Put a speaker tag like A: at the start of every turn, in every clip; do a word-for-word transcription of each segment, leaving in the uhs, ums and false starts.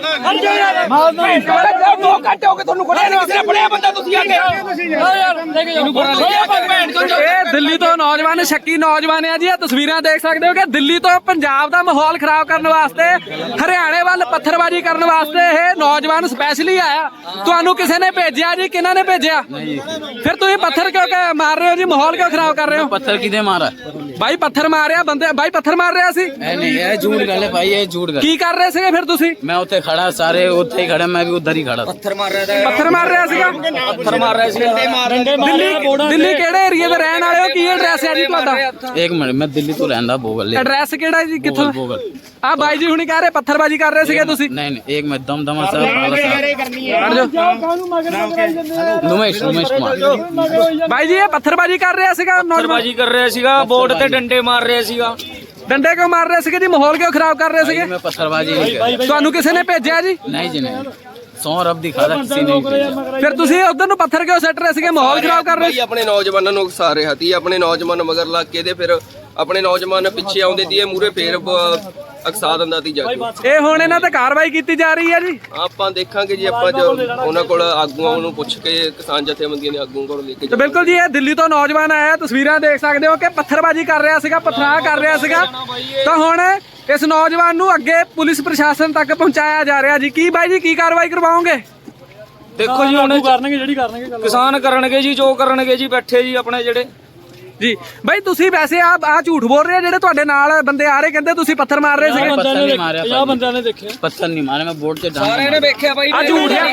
A: दो घंटे हो गए ਤੁਹਾਨੂੰ ਫੜਿਆ ਨਹੀਂ ਕਿਸੇ ਨੇ ਫੜਿਆ ਬੰਦਾ ਤੁਸੀਂ ਆ ਕੇ
B: ਇਹ ਦਿੱਲੀ ਤੋਂ ਨੌਜਵਾਨ ਸ਼ੱਕੀ ਨੌਜਵਾਨ ਆ ਜੀ। ਇਹ ਤਸਵੀਰਾਂ ਦੇਖ ਸਕਦੇ ਹੋ ਕਿ ਦਿੱਲੀ ਤੋਂ ਪੰਜਾਬ ਦਾ ਮਾਹੌਲ ਖਰਾਬ ਕਰਨ ਵਾਸਤੇ ਹਰਿਆਣੇ ਵੱਲ ਪੱਥਰਬਾਜ਼ੀ ਕਰਨ ਵਾਸਤੇ ਇਹ ਨੌਜਵਾਨ ਸਪੈਸ਼ਲੀ ਆਇਆ। ਤੁਹਾਨੂੰ ਕਿਸੇ ਨੇ ਭੇਜਿਆ ਜੀ? ਕਿਹਨਾਂ ਨੇ ਭੇਜਿਆ? ਫਿਰ ਤੁਸੀਂ ਪੱਥਰ ਕਿਉਂ ਮਾਰ ਰਹੇ ਹੋ ਜੀ? ਮਾਹੌਲ ਕਿਉਂ ਖਰਾਬ ਕਰ ਰਹੇ ਹੋ?
C: पत्थर किधे मारा
B: ਬਾਈ ਪੱਥਰ ਮਾਰਿਆ ਬੰਦੇ ਬਾਈ ਪੱਥਰ ਮਾਰ ਰਿਹਾ ਸੀ।
C: नहीं ये झूठ गल है भाई, ये झूठ गल।
B: ਕੀ ਕਰ ਰਹੇ ਸੀਗੇ ਫਿਰ ਤੁਸੀਂ?
C: मैं उत्थे खड़ा, सारे उत्थे ही खड़े, मैं भी उधर ही खड़ा था।
A: ਪੱਥਰ ਮਾਰ ਰਿਹਾ था
B: ਪੱਥਰ ਮਾਰ ਰਿਹਾ ਸੀਗਾ।
A: ਪੱਥਰ ਮਾਰ ਰਿਹਾ ਸੀ
B: ਦਿੱਲੀ ਦਿੱਲੀ ਕਿਹੜੇ ਏਰੀਆ ਦੇ ਰਹਿਣ ਵਾਲੇ ਹੋ? ਕੀ ਐਡਰੈਸ ਹੈ ਜੀ ਤੁਹਾਡਾ?
C: एक मिनट, मैं दिल्ली तो रहंदा भोगल।
B: ਐਡਰੈਸ ਕਿਹੜਾ ਜੀ? ਕਿੱਥੋਂ?
C: भोगल।
B: ਆ ਬਾਈ ਜੀ ਹੁਣੀ ਕਹਿ ਰਹੇ ਪੱਥਰਬਾਜ਼ੀ ਕਰ ਰਹੇ ਸੀਗੇ ਤੁਸੀਂ।
C: नहीं नहीं, एक मिनट, दम दमा साहब, नुमेश नुमेश कुमार।
B: ਬਾਈ ਜੀ ਇਹ ਪੱਥਰਬਾਜ਼ੀ ਕਰ ਰਿਹਾ ਸੀਗਾ ਨੌਜਵਾਨ?
D: ਬਾਜੀ ਕਰ ਰਿਹਾ ਸੀਗਾ, ਬੋਰਡ ਤੇ ਡੰਡੇ ਮਾਰ ਰਿਹਾ ਸੀਗਾ।
B: ਡੰਡੇ ਕਿਉਂ ਮਾਰ ਰਹੇ ਸੀਗੇ ਜੀ? ਮਾਹੌਲ ਕਿਉਂ ਖਰਾਬ ਕਰ ਰਹੇ ਸੀਗੇ?
C: मैं पत्थरबाजी नहीं कर।
B: ਤੁਹਾਨੂੰ ਕਿਸੇ ਨੇ ਭੇਜਿਆ ਜੀ?
C: नहीं जी नहीं, सौ रब दिखा था, किसी ने नहीं भेजा।
B: ਫਿਰ ਤੁਸੀਂ ਉਧਰ ਨੂੰ ਪੱਥਰ ਕਿਉਂ ਸੱਟ ਰਹੇ ਸੀਗੇ? ਮਾਹੌਲ ਖਰਾਬ ਕਰ ਰਹੇ ਸੀ।
E: ਆਪਣੇ ਨੌਜਵਾਨਾਂ ਨੂੰ ਉਕਸਾ ਰਿਹਾ ਸੀ। ਆਪਣੇ ਨੌਜਵਾਨ ਮਗਰ ਲੱਗ ਕੇ ਤੇ ਫਿਰ ਆਪਣੇ ਨੌਜਵਾਨ ਪਿੱਛੇ ਆਉਂਦੇ ਸੀ, ਇਹ ਮੂਰੇ ਫੇਰ ਅਕਸਾ ਦਿੰਦਾ ਸੀ ਜਾ ਕੇ।
B: ਇਹ ਹੁਣ ਇਹਨਾਂ ਤੇ ਕਾਰਵਾਈ ਕੀਤੀ ਜਾ ਰਹੀ ਹੈ ਜੀ।
E: ਆਪਾਂ ਦੇਖਾਂਗੇ ਜੀ, ਆਪਾਂ ਜੋ ਉਹਨਾਂ ਕੋਲ ਆਗੂਆਂ ਨੂੰ ਪੁੱਛ ਕੇ ਕਿਸਾਨ ਜਥੇਬੰਦੀਆਂ ਦੇ ਆਗੂਆਂ ਕੋਲ ਲੈ ਕੇ
B: ਤੇ ਬਿਲਕੁਲ ਜੀ ਇਹ ਦਿੱਲੀ ਤੋਂ ਨੌਜਵਾਨ ਆਇਆ। ਤਸਵੀਰਾਂ ਦੇਖ ਸਕਦੇ ਹੋ ਕਿ ਪੱਥਰਬਾਜ਼ੀ ਕਰ ਰਿਹਾ ਸੀਗਾ, ਪਥਰਾਅ ਕਰ ਰਿਹਾ ਸੀਗਾ। ਤਾਂ ਹੁਣ ਇਸ ਨੌਜਵਾਨ ਨੂੰ ਅੱਗੇ ਪੁਲਿਸ ਪ੍ਰਸ਼ਾਸਨ ਤੱਕ ਪਹੁੰਚਾਇਆ ਜਾ ਰਿਹਾ ਜੀ। ਕੀ ਬਾਈ ਜੀ ਕੀ ਕਾਰਵਾਈ ਕਰਵਾਓਗੇ?
D: ਦੇਖੋ ਜੀ ਹੁਣ ਕਰਨਗੇ ਜਿਹੜੀ ਕਰਨਗੇ, ਕਿਸਾਨ ਕਰਨਗੇ ਜੀ ਜੋ ਕਰਨਗੇ ਜੀ, ਬੈਠੇ ਜੀ ਆਪਣੇ ਜਿਹੜੇ
B: ਜੀ। ਬਾਈ ਤੁਸੀਂ ਵੈਸੇ ਆ ਆ ਝੂਠ ਬੋਲ ਰਹੇ ਆ, ਜਿਹੜੇ ਤੁਹਾਡੇ ਨਾਲ ਬੰਦੇ ਆ ਰਹੇ ਕਹਿੰਦੇ ਤੁਸੀਂ ਪੱਥਰ ਮਾਰ ਰਹੇ ਸੀਗੇ।
C: पत्थर नहीं मारा,
D: ਪੰਜਾਹ ਬੰਦਿਆਂ ਨੇ ਦੇਖਿਆ।
C: पत्थर नहीं मारे, मैं बोर्ड से डांगा
D: ਸਾਰਿਆਂ ਨੇ ਵੇਖਿਆ ਬਾਈ,
B: ਆ ਝੂਠ ਹੈ।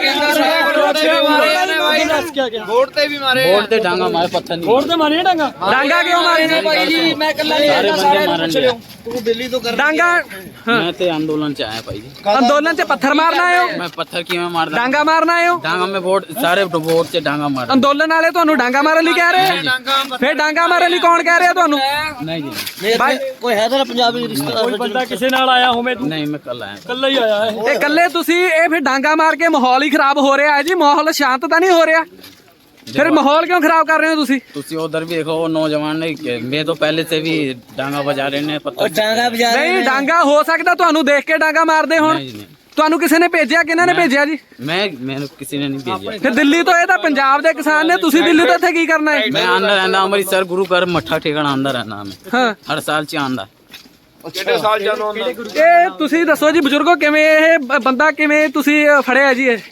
E: ਬੋਰਡ ਤੇ ਵੀ ਮਾਰੇ
C: बोर्ड से डांगा मारे, पत्थर नहीं
D: ਬੋਰਡ ਤੇ ਮਾਰੀ ਡਾਂਗਾ।
B: ਡਾਂਗਾ ਕਿਉਂ ਮਾਰੇ ਨੇ?
D: ਬਾਈ ਜੀ ਮੈਂ ਇਕੱਲਾ ਨਹੀਂ
C: सारे
D: ਆਇਆ,
C: बंदे मारन लिया।
B: ਡਾਂਗਾ
C: मैं तो आंदोलन से आया भाई जी।
B: ਅੰਦੋਲਨ 'ਚ ਪੱਥਰ ਮਾਰਨਾ ਆਏ ਹੋ?
C: मैं पत्थर की मैं मारदा
B: ਡਾਂਗਾ ਮਾਰਨਾ ਆਏ ਹੋ?
C: डांगा में बोर्ड, सारे बोर्ड से डांगा मार।
B: ਅੰਦੋਲਨ ਵਾਲੇ ਤੁਹਾਨੂੰ ਡਾਂਗਾ ਮਾਰਨ ਲਈ ਕਹਿ ਰਹੇ ਆ? ਫਿਰ ਡਾਂਗਾ ਮਾਰਨ ਲਈ ਕੌਣ ਕਹਿ ਰਿਹਾ ਤੁਹਾਨੂੰ?
C: नहीं जी
B: ਬਾਈ
A: ਕੋਈ ਹੈ ਤਾਂ ਪੰਜਾਬੀ ਰਿਸ਼ਤੇਦਾਰ
D: ਕੋਈ ਬੰਦਾ ਕਿਸੇ ਨਾਲ ਆਇਆ ਹੋਵੇ, ਤੂੰ
C: नहीं, मैं कल आया।
D: ਇਕੱਲਾ ਹੀ ਆਇਆ ਹੈ।
B: ਇਹ ਇਕੱਲੇ ਤੁਸੀਂ ਇਹ ਫਿਰ ਡਾਂਗਾ ਮਾਰ ਕੇ ਮਾਹੌਲ ਹੀ ਖਰਾਬ ਹੋ ਰਿਹਾ ਹੈ ਜੀ। ਮਾਹੌਲ ਸ਼ਾਂਤ ਤਾਂ ਨਹੀਂ ਹੋ ਰਿਹਾ। ਫਿਰ ਮਾਹੌਲ ਕਿਉਂ ਖਰਾਬ ਕਰ ਰਹੇ ਹੋ ਤੁਸੀਂ?
C: तुसी उधर भी देखो, वो नौजवान ने, मैं तो पहले से भी डांगा बजा रहे ने पत्थर।
A: ਡਾਂਗਾ ਬਜਾ
B: ਨਹੀਂ ਡਾਂਗਾ ਹੋ ਸਕਦਾ ਤੁਹਾਨੂੰ ਦੇਖ ਕੇ ਡਾਂਗਾ ਮਾਰਦੇ ਹੋਣ।
C: नहीं जी नहीं,
B: ਤੁਹਾਨੂੰ ਕਿਸੇ ਨੇ ਭੇਜਿਆ? ਕਿਹਨਾਂ ਨੇ ਭੇਜਿਆ ਜੀ?
C: मैं मैंने किसी ने नहीं भेजा।
B: ਫਿਰ ਦਿੱਲੀ ਤੋਂ ਇਹ ਤਾਂ ਪੰਜਾਬ ਦੇ ਕਿਸਾਨ ਨੇ, ਤੁਸੀਂ ਦਿੱਲੀ ਤੋਂ ਇੱਥੇ ਕੀ ਕਰਨਾ ਹੈ?
C: मैं अंदर रहना, अमृतसर गुरु घर मठा ठिकाना अंदर रहना। मैं
B: ਹਾਂ
C: हर साल च आंदा।
E: ਕਿਹੜੇ ਸਾਲ ਜਾਨੋਂ
B: ਇਹ ਤੁਸੀਂ ਦੱਸੋ ਜੀ ਬਜ਼ੁਰਗੋ, ਕਿਵੇਂ ਇਹ ਬ- ਬੰਦਾ ਕਿਵੇਂ ਤੁਸੀਂ ਫੜਿਆ ਜੀ? ਇਹ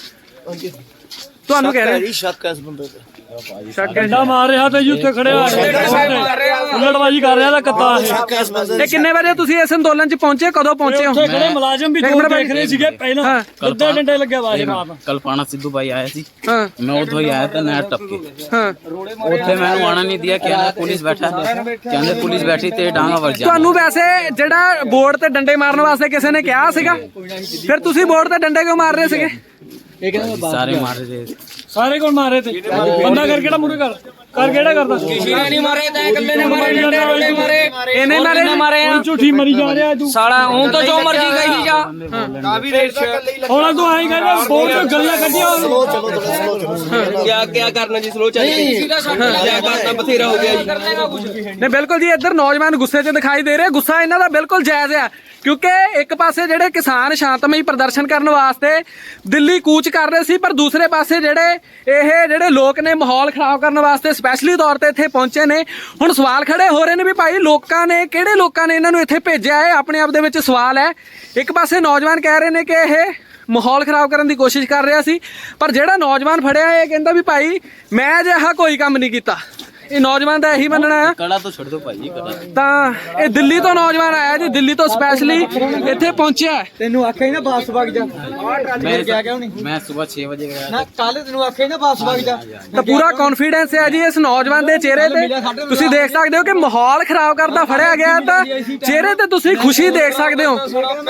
B: ਤੁਹਾਨੂੰ ਕਹਿ ਰਹੇ
A: ਸ਼ੱਕ ਹੈ ਇਸ ਬੰਦੇ ਤੇ।
B: ਸ਼ੱਕ ਹੈ ਜੀ।
D: ਡੰਡਾ ਮਾਰ ਰਿਹਾ ਤੇ ਜੀ ਉੱਥੇ ਖੜਿਆ ਉਲਟਬਾਜੀ ਕਰ ਰਿਹਾ ਤਾਂ ਕੱਤਾ ਇਹ।
B: ਇਹ ਕਿੰਨੇ ਵਜੇ ਤੁਸੀਂ ਇਸ ਅੰਦੋਲਨ 'ਚ ਪਹੁੰਚੇ? ਕਦੋਂ ਪਹੁੰਚੇ ਹੋ?
D: ਉੱਥੇ ਖੜੇ ਮੁਲਾਜ਼ਮ ਵੀ ਦੋ ਦੇਖ ਰਹੇ ਸੀਗੇ ਪਹਿਲਾਂ,
B: ਹਾਂ।
D: ਕਿੱਦਾਂ ਡੰਡੇ ਲੱਗਿਆ ਬਾਜ ਮਾਰ।
C: कल पाना सिद्धू भाई आया सी,
B: ਹਾਂ
C: मैं उधर ही आया था नहर टपके।
B: ਹਾਂ
C: ਉੱਥੇ ਮੈਨੂੰ ਆਣਾ ਨਹੀਂ ਦਿਆ, ਕਹਿੰਦਾ ਪੁਲਿਸ ਬੈਠਾ, ਕਹਿੰਦੇ ਪੁਲਿਸ ਬੈਠੀ ਤੇ ਡਾਂਗਾ ਵਰ ਜਾ।
B: ਤੁਹਾਨੂੰ ਵੈਸੇ ਜਿਹੜਾ ਬੋਰਡ ਤੇ ਡੰਡੇ ਮਾਰਨ ਵਾਸਤੇ ਕਿਸੇ ਨੇ ਕਿਹਾ ਸੀਗਾ? ਫਿਰ ਤੁਸੀਂ ਬੋਰਡ ਤੇ ਡੰਡੇ ਕਿਉਂ ਮਾਰ ਰਹੇ ਸੀਗੇ?
C: ਸਾਰੇ ਮਾਰ ਰਹੇ ਸੀ।
D: ਸਾਰੇ ਕੋਲ ਮਾਰੇ ਤੇ ਬੰਦਾ ਕਰ ਕਿਹੜਾ ਮੂਰੇ ਕਰ ਕਰ ਕਿਹੜਾ ਕਰਦਾ? ਕਿਸੇ ਨੇ ਨਹੀਂ ਮਾਰੇ, ਤਾਂ ਇਕੱਲੇ ਨੇ ਮਾਰੇ, ਡੰਡੇ ਰੋੜੇ ਮਾਰੇ।
B: ਇਹਨੇ ਮਾਰੇ ਨੇ?
D: ਮਾਰੇ ਆ ਝੂਠੀ ਮਰੀ ਜਾ ਰਿਹਾ ਤੂੰ ਸਾਲਾ। ਹੁਣ ਤਾਂ ਜੋ ਮਰਜੀ ਕਹੀ ਜਾ। ਹੁਣ ਤੂੰ ਆਈ ਕਹਿੰਦਾ ਬੋਲ ਤੋਂ ਗੱਲਾਂ ਕੱਢੀਆਂ।
E: ਕਿਆ ਕਿਆ ਕਰਨਾ ਜੀ, ਸਲੋ ਚੱਲ ਕਿਆ ਕਰਨਾ, ਬਥੇਰਾ ਹੋ ਗਿਆ ਜੀ।
B: ਨੇ ਬਿਲਕੁਲ ਜੀ ਇੱਧਰ ਨੌਜਵਾਨ ਗੁੱਸੇ 'ਚ ਦਿਖਾਈ ਦੇ ਰਹੇ। ਗੁੱਸਾ ਇਹਨਾਂ ਦਾ ਬਿਲਕੁਲ ਜਾਇਜ਼ ਆ, ਕਿਉਂਕਿ ਇੱਕ ਪਾਸੇ ਜਿਹੜੇ ਕਿਸਾਨ ਸ਼ਾਂਤਮਈ ਪ੍ਰਦਰਸ਼ਨ ਕਰਨ ਵਾਸਤੇ ਦਿੱਲੀ ਕੂਚ ਕਰ ਰਹੇ ਸੀ, ਪਰ ਦੂਸਰੇ ਪਾਸੇ ਜਿਹੜੇ ਇਹ ਜਿਹੜੇ ਲੋਕ ਨੇ ਮਾਹੌਲ ਖਰਾਬ ਕਰਨ ਵਾਸਤੇ ਸਪੈਸ਼ਲੀ ਤੌਰ ਤੇ ਇੱਥੇ ਪਹੁੰਚੇ ਨੇ। ਹੁਣ ਸਵਾਲ ਖੜੇ ਹੋ ਰਹੇ ਨੇ ਵੀ ਭਾਈ ਲੋਕਾਂ ਨੇ, ਕਿਹੜੇ ਲੋਕਾਂ ਨੇ ਇਹਨਾਂ ਨੂੰ ਇੱਥੇ ਭੇਜਿਆ ਹੈ? ਆਪਣੇ ਆਪ ਦੇ ਵਿੱਚ ਸਵਾਲ ਹੈ। ਇੱਕ ਪਾਸੇ ਨੌਜਵਾਨ ਕਹਿ ਰਹੇ ਨੇ ਕਿ ਇਹ ਮਾਹੌਲ ਖਰਾਬ ਕਰਨ ਦੀ ਕੋਸ਼ਿਸ਼ ਕਰ ਰਿਹਾ ਸੀ, ਪਰ ਜਿਹੜਾ ਨੌਜਵਾਨ ਫੜਿਆ ਇਹ ਕਹਿੰਦਾ ਵੀ ਭਾਈ ਮੈਂ ਅਜਿਹਾ ਕੋਈ ਕੰਮ ਨਹੀਂ ਕੀਤਾ। ਇਹ ਨੌਜਵਾਨ ਦਾ ਇਹੀ ਮੰਨਣਾ ਹੈ।
C: ਕੜਾ ਤੋਂ ਛੱਡ ਦੋ ਭਾਈ, ਕੜਾ
B: ਤਾਂ ਇਹ ਦਿੱਲੀ ਤੋਂ ਨੌਜਵਾਨ ਆਇਆ ਜੀ, ਦਿੱਲੀ ਤੋਂ ਸਪੈਸ਼ਲੀ ਇੱਥੇ ਪਹੁੰਚਿਆ।
A: ਤੈਨੂੰ ਆਖਿਆ ਹੀ ਨਾ ਵਾਪਸ ਵਗ ਜਾ।
C: ਮੈਂ ਮੈਂ ਸਵੇਰ ਛੇ ਵਜੇ ਗਿਆ
A: ਨਾ ਕੱਲ ਤੈਨੂੰ ਆਖਿਆ ਹੀ ਨਾ ਵਾਪਸ ਵਗ ਜਾ।
B: ਤਾਂ ਪੂਰਾ ਕੌਨਫੀਡੈਂਸ ਹੈ ਜੀ ਇਸ ਨੌਜਵਾਨ ਦੇ ਚਿਹਰੇ ਤੇ। ਤੁਸੀਂ ਦੇਖ ਸਕਦੇ ਹੋ ਕਿ ਮਾਹੌਲ ਖਰਾਬ ਕਰਦਾ ਫੜਿਆ ਗਿਆ, ਤਾਂ ਚਿਹਰੇ ਤੇ ਤੁਸੀਂ ਖੁਸ਼ੀ ਦੇਖ ਸਕਦੇ ਹੋ।